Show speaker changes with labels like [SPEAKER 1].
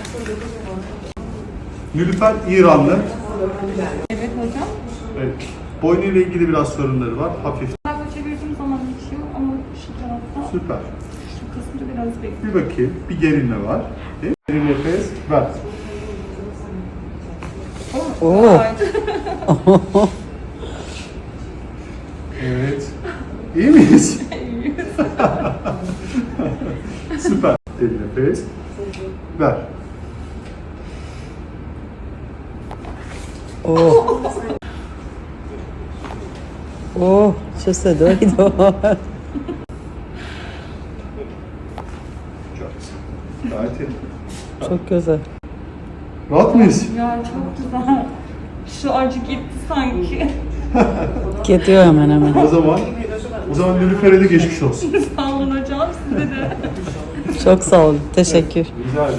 [SPEAKER 1] Nilüfer İranlı.
[SPEAKER 2] Evet hocam.
[SPEAKER 1] Evet. Boynu ile ilgili biraz sorunları var. Hafif.
[SPEAKER 2] Sayfa çevirdiğim zaman geçiyor ama şu tarafta
[SPEAKER 1] Süper.
[SPEAKER 2] şu kısmı biraz bekliyor.
[SPEAKER 1] Bir bakayım. Bir gerilme var. Derin nefes. Ver.
[SPEAKER 3] Oo.
[SPEAKER 1] Evet. İyi miyiz? Süper. Derin nefes. Ver.
[SPEAKER 3] Oh. Oh, čo sa dojdo.
[SPEAKER 1] Çok güzel. Gayet iyi.
[SPEAKER 3] Çok güzel.
[SPEAKER 1] Rahat mıyız?
[SPEAKER 2] Ya çok güzel. Şu acı gitti sanki.
[SPEAKER 3] Gidiyor hemen hemen.
[SPEAKER 1] O zaman Nilüfer'e de geçmiş olsun.
[SPEAKER 2] Sağ olun hocam, size de.
[SPEAKER 3] Çok sağ olun. Teşekkür.
[SPEAKER 1] Rica ederim.